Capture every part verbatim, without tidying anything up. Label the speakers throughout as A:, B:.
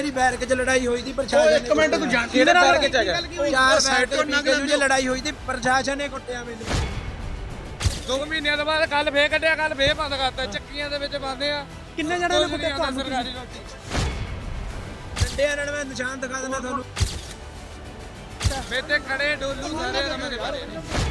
A: ਮੇਰੀ ਬੈਰਕ 'ਚ ਲੜਾਈ ਹੋਈ ਸੀ ਪ੍ਰਸ਼ਾਸਨ
B: ਇੱਕ ਮਿੰਟ ਤੂੰ ਜਾਣ
A: ਕਿਹੜੇ ਬੈਰਕ 'ਚ ਹੈਗਾ ਚਾਰ ਸਾਈਡ ਤੋਂ ਨੰਗ ਜੇ ਲੜਾਈ ਹੋਈ ਸੀ ਪ੍ਰਸ਼ਾਸਨ ਨੇ ਕੁੱਟਿਆ ਮੈਨੂੰ
C: ਦੋ ਮਹੀਨਿਆਂ ਤੋਂ ਬਾਅਦ ਕੱਲ ਫੇਰ ਕੱਢਿਆ ਕੱਲ ਫੇਰ ਬੰਦ ਕਰਤਾ ਚੱਕੀਆਂ ਦੇ ਵਿੱਚ ਬੰਦੇ ਆ
B: ਕਿੰਨੇ ਜਣੇ ਨੇ ਕੁੱਟਿਆ ਤੁਹਾਨੂੰ
C: ਸਰਕਾਰੀ ਰੋਟੀ
A: ਡੰਡੇ ਨਾਲ ਮੈਂ ਨਿਸ਼ਾਨ ਦਿਖਾ ਦਿੰਦਾ ਤੁਹਾਨੂੰ
C: ਮੇਰੇ ਤੇ ਖੜੇ ਡੋਲੂ ਸਾਰੇ ਆ ਮੇਰੇ ਬਾਰੇ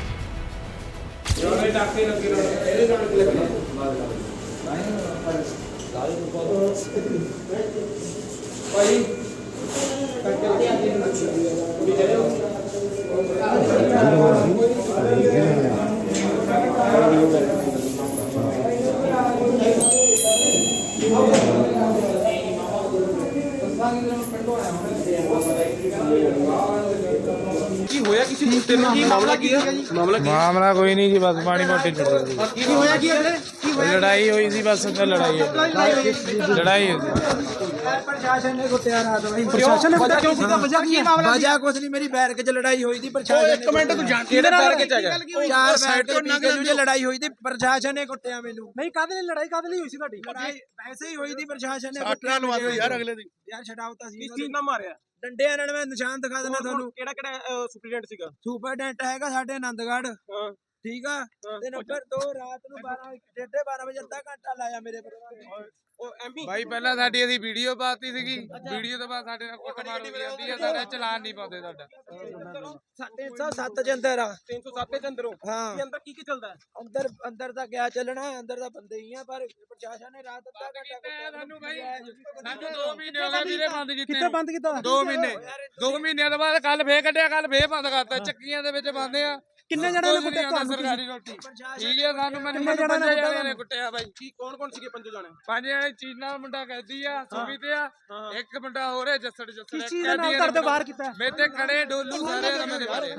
B: ਕੀ ਹੋਇਆ ਕਿਸੇ ਕੁੱਤੇ ਨੂੰ ਕੀ ਮਾਮਲਾ ਕੀ ਹੈ ਮਾਮਲਾ
C: ਮਾਮਲਾ ਕੋਈ ਨਹੀਂ ਜੀ ਬਸ ਪਾਣੀ ਮੋਟੀ ਛੱਡੇ
B: ਕੀ ਹੋਇਆ ਕੀ ਹੈ ਕੀ
C: ਲੜਾਈ ਹੋਈ ਸੀ ਬਸ ਤੇ ਲੜਾਈ ਹੋਈ ਲੜਾਈ ਹੋਈ
A: ਪ੍ਰਸ਼ਾਸਨ ਨੇ ਕੁੱਟਿਆ ਰਾਤ ਨੂੰ
B: ਪ੍ਰਸ਼ਾਸਨ ਨੇ ਕੁੱਟਿਆ ਕਿਉਂ ਸੀਗਾ ਵਜ੍ਹਾ ਕੀ ਮਾਮਲਾ
A: ਵਜ੍ਹਾ ਕੁਛ ਨਹੀਂ ਮੇਰੀ ਬੈਰਕ 'ਚ ਲੜਾਈ ਹੋਈ ਸੀ ਪ੍ਰਸ਼ਾਸਨ
B: ਇੱਕ ਮਿੰਟ ਤੂੰ ਜਾਣ
A: ਕਿਹੜੇ ਬੈਰਕ 'ਚ ਹੈਗਾ ਚਾਰ ਸਾਈਡ ਤੋਂ ਨੰਗ ਜੇ ਲੜਾਈ ਹੋਈ ਸੀ ਪ੍ਰਸ਼ਾਸਨ ਨੇ ਕੁੱਟਿਆ ਮੈਨੂੰ
B: ਨਹੀਂ ਕਾਹਦੇ ਲਈ ਲੜਾਈ ਕਾਹਦੇ ਲਈ ਹੋਈ ਸੀ ਤੁਹਾਡੀ
A: ਲੜਾਈ ਵੈਸੇ ਹੀ ਹੋਈ ਸੀ ਪ੍ਰਸ਼ਾਸਨ ਨੇ
B: ਸਾਟਰਾ ਲਵਾ ਦਿਓ ਯਾਰ ਅਗਲੇ ਦੀ
A: ਯਾਰ ਛਡਾਉਤਾ ਸੀ
B: ਕਿਸ ਚੀਜ਼ ਨਾਲ ਮਾਰਿਆ
A: ਡੰਡਿਆਂ ਨਾਲ ਮੈਂ ਨਿਸ਼ਾਨ ਦਿਖਾ ਦਿੰਦਾ ਤੁਹਾਨੂੰ
B: ਕਿਹੜਾ ਕਿਹੜਾ ਸੁਪਰੀਡੈਂਟ ਸੀਗਾ
A: ਸੁਪਰਡੈਂਟ ਹੈਗਾ ਸਾਡੇ ਆਨੰਦਗੜ੍ਹ
B: ਹਾਂ
A: ਠੀਕ ਆ ਤੇ ਨੰਬਰ ਦੋ ਰਾਤ ਨੂੰ ਬਾਰਾਂ ਡੇਢੇ ਬਾਰਾਂ ਵਜੇ ਅੱਧਾ ਘੰਟਾ ਲਾਇਆ ਮੇਰੇ ਪਰ
B: ਉਹ ਐਮਪੀ
C: ਭਾਈ ਪਹਿਲਾਂ ਸਾਡੀ ਅਸੀਂ ਵੀਡੀਓ ਪਾਤੀ ਸੀਗੀ ਵੀਡੀਓ ਤੋਂ ਬਾਅਦ ਸਾਡੇ ਨਾਲ ਕੁੱਟਮਾਰ ਹੋਈ ਜਾਂਦੀ ਆ ਸਾਡਾ ਚਲਾਨ ਨਹੀਂ ਪਾਉਂਦੇ ਸਾਡਾ
A: ਤਿੰਨ ਸੌ ਸੱਤ ਚ ਅੰਦਰ ਆ
B: ਤਿੰਨ ਸੌ ਸੱਤ ਦੇ ਅੰਦਰੋਂ
A: ਹਾਂ
B: ਕੀ ਅੰਦਰ ਕੀ ਕੀ ਚੱਲਦਾ
A: ਅੰਦਰ ਅੰਦਰ ਤਾਂ ਗਿਆ ਚੱਲਣਾ ਅੰਦਰ ਤਾਂ ਬੰਦੇ ਹੀ ਆ ਪਰ ਪ੍ਰਸ਼ਾਸਨ ਨੇ ਰਾਤ ਅੱਧਾ ਘੰਟਾ ਕੁੱਟਿਆ
C: ਸਾਨੂੰ ਭਾਈ ਸਾਨੂੰ ਦੋ ਮਹੀਨੇ ਹੋ ਗਏ ਵੀਰੇ ਬੰਦ ਕੀਤੇ
B: ਕਿੱਥੇ ਬੰਦ ਕੀਤਾ
C: ਦੋ ਮਹੀਨੇ ਦੋ ਮਹੀਨਿਆਂ ਤੋਂ ਬਾਅਦ ਕੱਲ ਫੇਰ ਕੱਢਿਆ ਕੱਲ ਫੇਰ ਬੰਦ ਕਰਤਾ ਚੱਕੀਆਂ ਦੇ ਵਿੱਚ ਬੰਦੇ ਆ
B: ਕਿੰਨੇ ਜਣੇ ਨੇ ਕੁੱਟਿਆ ਤੁਹਾਨੂੰ
C: ਸਰਕਾਰੀ ਰੋਟੀ ਠੀਕ ਹੈ ਸਾਨੂੰ ਮੈਨੂੰ ਪੰਜ ਜਣੇ ਨੇ ਕੁੱਟਿਆ ਬਾਈ
B: ਕੀ ਕੌਣ ਕੌਣ ਸੀਗੇ ਪੰਜ ਜਣੇ
C: ਪੰਜ ਜਣੇ ਚੀਨਾ ਮੁੰਡਾ ਕੈਦੀ ਆ ਸੁਮੀ ਤੇ ਆ ਇੱਕ ਮੁੰਡਾ ਹੋਰ ਹੈ ਜੱਸੜ ਜੱਸੜ
B: ਕਿਸ ਚੀਜ਼ ਦੇ ਨਾਲ ਕਰਦੇ ਬਾਹਰ ਕੀਤਾ
C: ਮੇਰੇ ਤੇ ਖੜੇ ਡੋਲੂ ਸਾਰੇ ਆ ਮੇਰੇ ਬਾਰੇ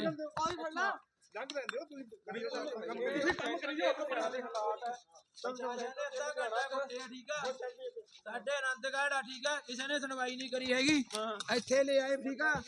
A: ਸਾਡੇ ਆਨੰਦਗੜ੍ਹ ਆ ਠੀਕ ਆ ਕਿਸੇ ਨੇ ਸੁਣਵਾਈ ਨਹੀਂ ਕਰੀ ਹੈਗੀ ਇੱਥੇ ਲੈ ਆਏ ਠੀਕ ਆ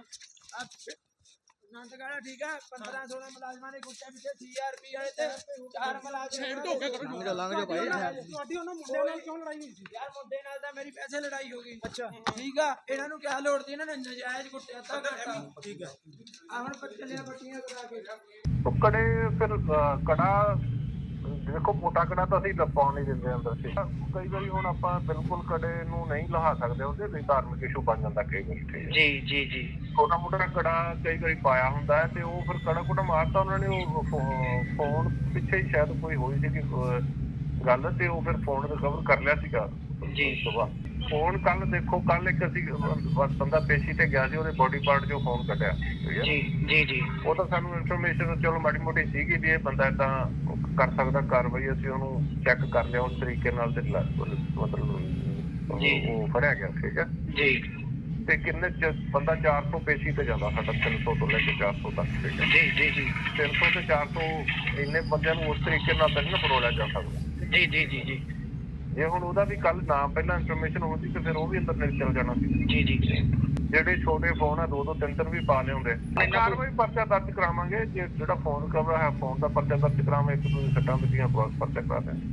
A: ਆਨੰਦਗੜ੍ਹ ਠੀਕ ਆ ਪੰਦਰਾਂ ਸੋਲਾਂ ਮੁਲਾਜ਼ਮਾਂ ਨੇ ਕੁੱਟਿਆ ਪਿੱਛੇ ਸੀਆਰਪੀ ਵਾਲੇ ਤੇ ਚਾਰ ਮੁਲਾਜ਼ਮ
B: ਲੰਘ ਜਾਓ ਭਾਈ ਤੁਹਾਡੀ ਉਹਨਾਂ ਮੁੰਡਿਆਂ ਨਾਲ ਕਿਉਂ ਲੜਾਈ ਹੋਈ ਸੀ
A: ਯਾਰ ਮੁੰਡੇ ਨਾਲ ਤਾਂ ਮੇਰੀ ਪੈਸੇ ਲੜਾਈ ਹੋ ਗਈ ਅੱਛਾ ਠੀਕ ਆ ਇਹਨਾਂ ਨੂੰ ਕਿਆ ਲੋੜ ਸੀ ਇਹਨਾਂ ਨੇ ਨਜਾਇਜ਼ ਕੁੱਟਿਆ ਤਾਂ ਠੀਕ ਆ ਆ ਹੁਣ ਪੱਟੀਆਂ ਪੱਟੀਆਂ ਕਰਾ ਕੇ
D: ਕੜੇ ਫਿਰ ਕੜਾ ਦੇਖੋ ਮੋਟਾ ਕੜਾ ਤਾਂ ਅਸੀਂ ਪਾਉਣ ਨਹੀਂ ਦਿੰਦੇ ਅੰਦਰ ਸੀ ਕਈ ਵਾਰੀ ਹੁਣ ਆਪਾਂ ਬਿਲਕੁਲ ਕੜੇ ਨੂੰ ਨਹੀਂ ਲਹਾ ਸਕਦੇ ਉਹਦੇ ਲਈ ਧਾਰਮਿਕ ਇਸ਼ੂ ਬਣ ਜਾਂਦਾ ਕਈ ਵਾਰੀ ਠੀਕ
E: ਜੀ ਜੀ ਜੀ
D: ਛੋਟਾ ਮੋਟਾ ਕੜਾ ਕਈ ਵਾਰੀ ਪਾਇਆ ਹੁੰਦਾ ਹੈ ਤੇ ਉਹ ਫਿਰ ਕੜਾ ਕੁੜਾ ਮਾਰਤਾ ਉਹਨਾਂ ਨੇ ਉਹ ਫੋਨ ਪਿੱਛੇ ਹੀ ਸ਼ਾਇਦ ਕੋਈ ਹੋਈ ਸੀ ਗੱਲ ਤੇ ਉਹ ਫਿਰ ਫੋਨ ਰਿਕਵਰ ਕਰ ਲਿਆ ਸੀਗਾ
E: ਜੀ
D: ਸੁਬਾਹ ਫੋਨ ਕੱਲ ਦੇਖੋ ਕੱਲ ਇੱਕ ਅਸੀਂ ਬੰਦਾ ਪੇਸ਼ੀ ਤੇ ਗਿਆ ਸੀ ਉਹਦੇ ਬੋਡੀ ਪਾਰਟ ਚੋਂ ਫੋਨ ਕੱਢਿਆ
E: ਜੀ ਜੀ ਜੀ
D: ਉਹ ਤਾਂ ਸਾਨੂੰ ਇਨਫੋਰਮੇਸ਼ਨ ਚਲੋ ਮਾੜੀ ਮੋਟੀ ਸੀਗੀ ਵੀ ਇਹ ਬੰਦਾ ਏਦਾਂ ਕਰ ਸਕਦਾ ਕਾਰਵਾਈ ਅਸੀਂ ਉਹਨੂੰ ਚੈੱਕ ਕਰ ਲਿਆ ਉਸ ਤਰੀਕੇ ਨਾਲ ਤੇ ਮਤਲਬ ਉਹ ਫੜਿਆ ਗਿਆ ਠੀਕ ਹੈ
E: ਜੀ
D: ਤੇ ਕਿੰਨੇ ਬੰਦਾ ਚਾਰ ਸੌ ਪੇਸ਼ੀ ਤੇ ਜਾਂਦਾ ਸਾਡਾ ਤਿੰਨ ਸੌ ਤੋਂ ਲੈ ਕੇ ਚਾਰ ਸੌ ਤੱਕ ਠੀਕ ਹੈ
E: ਜੀ ਜੀ ਜੀ
D: ਤਿੰਨ ਸੌ ਤੇ ਚਾਰ ਸੌ ਇੰਨੇ ਬੰਦਿਆਂ ਨੂੰ ਉਸ ਤਰੀਕੇ ਨਾਲ ਤਾਂ ਨਹੀਂ ਫਰੋਲਿਆ ਜਾ ਸਕਦਾ
E: ਜੀ ਜੀ ਜੀ ਜੀ
D: ਜੇ ਹੁਣ ਉਹਦਾ ਵੀ ਕੱਲ ਨਾ ਪਹਿਲਾਂ ਇਨਫੋਰਮੇਸ਼ਨ ਹੁੰਦੀ ਤੇ ਫਿਰ ਉਹ ਵੀ ਅੰਦਰ ਨਿਕਲ ਚਲ ਜਾਣਾ ਸੀ
E: ਜੀ ਜੀ
D: ਜਿਹੜੇ ਛੋਟੇ ਫੋਨ ਆ ਦੋ ਦੋ ਤਿੰਨ ਤਿੰਨ ਵੀ ਪਾ ਲਿਆਉਂਦੇ ਕਾਰਵਾਈ ਪਰਚਾ ਦਰਜ ਕਰਾਵਾਂਗੇ ਜੇ ਜਿਹੜਾ ਫੋਨ ਕਵਰ ਹੈ ਫੋਨ ਦਾ ਪਰਚਾ ਦਰਜ ਕਰਾਵਾਂਗੇ ਇੱਕ ਦੂਜੇ ਸੱਟਾਂ ਵੱਜੀਆਂ ਪਰਚਾ ਕਰਾ ਦਿਆਂਗੇ